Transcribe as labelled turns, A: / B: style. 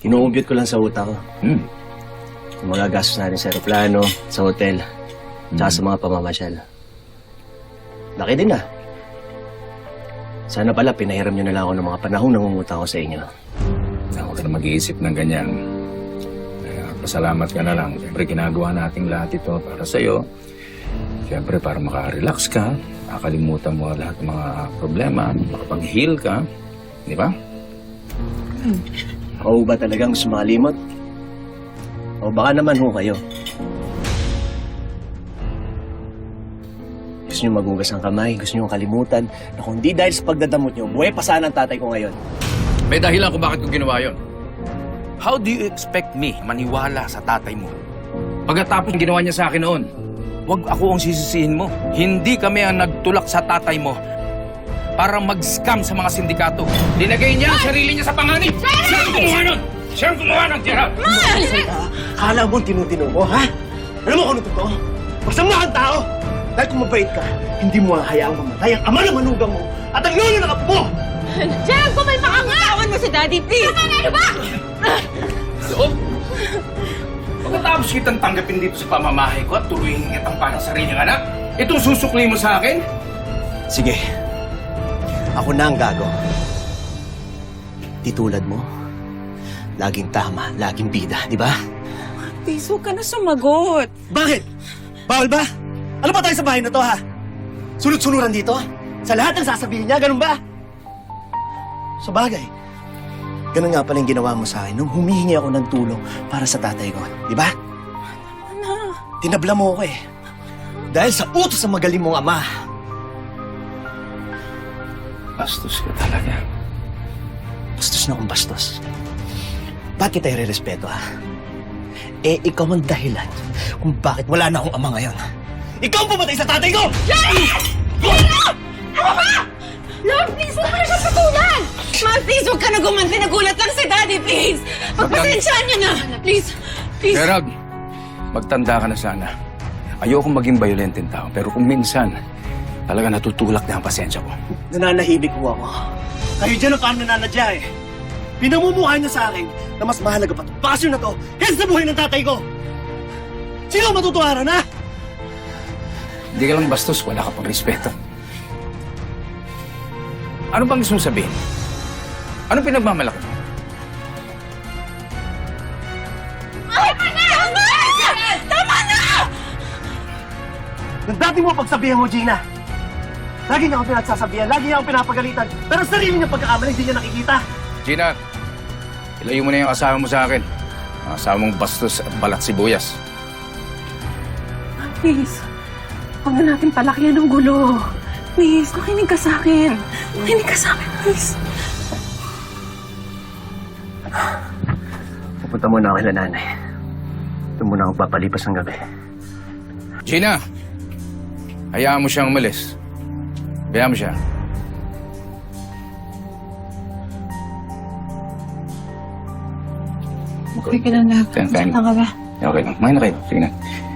A: Kinuumpyot ko lang sa utak ko.
B: Hmm.
A: Yung mga gastos natin sa aeroplano, sa hotel, tsaka sa mga pamamasyal. Laki din ah. Sana pala pinahiram nyo na lang ako ng mga panahong nangungutang ko sa inyo.
B: Huwag ka na mag-iisip ng ganyan. Pasalamat ka na lang. Siyempre, ginagawa natin lahat ito para sa'yo. Siyempre, para makarelax ka, makakalimutan mo lahat ng mga problema, makapag-heal ka. Di ba?
A: Ako ba talagang sumalimot? O baka naman ho kayo. Gusto nyo magugas ang kamay, gusto nyo kalimutan na kung di dahil sa pagdadamot nyo, buhay pa sana ang tatay ko ngayon.
B: May dahilan kung bakit ko ginawa yun. How do you expect me maniwala sa tatay mo? Pagkatapos ginawa niya sa akin noon, wag ako ang sisisihin mo. Hindi kami ang nagtulak sa tatay mo para mag-scam sa mga sindikato. Dinagay niya ang sarili niya sa panganib. Siya ang gumawa nun! Siya ang gumawa ng tira!
A: Akala mo tinutino ko, ha? Alam mo kung ano totoo? Masama kang tao! Dahil kung mabait ka, hindi mo hahayaang mamatay ang ama ng manugang mo at ang lolo ng apo mo!
C: Gerald, kumalma ka nga! Tawan mo si Daddy, please! Tama na, ano ba?
B: So, pagkatapos kitang tanggapin dito sa pamamahay ko at tuloy kitang parang sariling anak, itong susukli mo sa akin?
A: Sige. Ako na ang gago. Di tulad mo. Laging tama, laging bida, di ba?
C: Please, huwag ka na sumagot.
A: Bakit? Bawal ba? Ano ba tayo sa bahay na to, ha? Sunod-sunuran dito? Sa lahat ng sasabihin niya, ganun ba? Sa bagay, ganun nga pala yung ginawa mo sa akin nung humihingi ako ng tulong para sa tatay ko, di ba?
C: Ano?
A: Tinabla mo ako eh. Dahil sa utos ng magaling mong ama.
B: Bastos ka talaga.
A: Bastos na akong bastos. Ba't kita i-respeto, ha? Eh, ikaw ang dahilan kung bakit wala na akong ama ngayon. Ikaw ang pumatay sa tatay ko!
C: Ano ba? Lord, please, huwag mo na siya patulan! Ma, please, huwag ka na gumanti. Nagulat lang si Daddy, please! Pagpasensyaan niyo na! Please, please.
B: Gerald, magtanda ka na sana. Ayokong maging violenteng tao, pero kung minsan, talaga natutulak na ang pasensya ko.
A: Nananahimik ko ako. Kayo dyan ang parang nananadya eh. Pinamumukha niya sa akin na mas mahalaga pa itong pasyon na to kaysa sa buhay ng tatay ko. Sino ang matutuwaran, ha?
B: Hindi ka lang bastos, wala ka pang respeto. Ano bang gusto mong sabihin? Anong pinagmamalaki mo?
C: Tama na! Tama! Tama na!
A: Nang dati mo pagsabihan mo, Gina. Lagi niya akong pinagsasabihan, lagi niya akong pinapagalitan. Pero sarili niya pagkakamali, hindi niya nakikita.
B: Gina, ilayo mo na yung asawa mo sa akin. Ang asawa mong bastos at balat sibuyas.
C: Please, huwag na natin palakihan ng gulo. Please, makinig ka sa akin. Makinig ka sa akin, please.
A: Pupunta muna ako kay nanay. Doon muna ako papalipas ng gabi.
B: Gina, hayaan mo siyang umalis. Hayaan mo siya.
C: Okay ka lang, love.
B: Kain.
C: Saan ka ba?
B: Okay lang. Kumain na kayo. Sige na.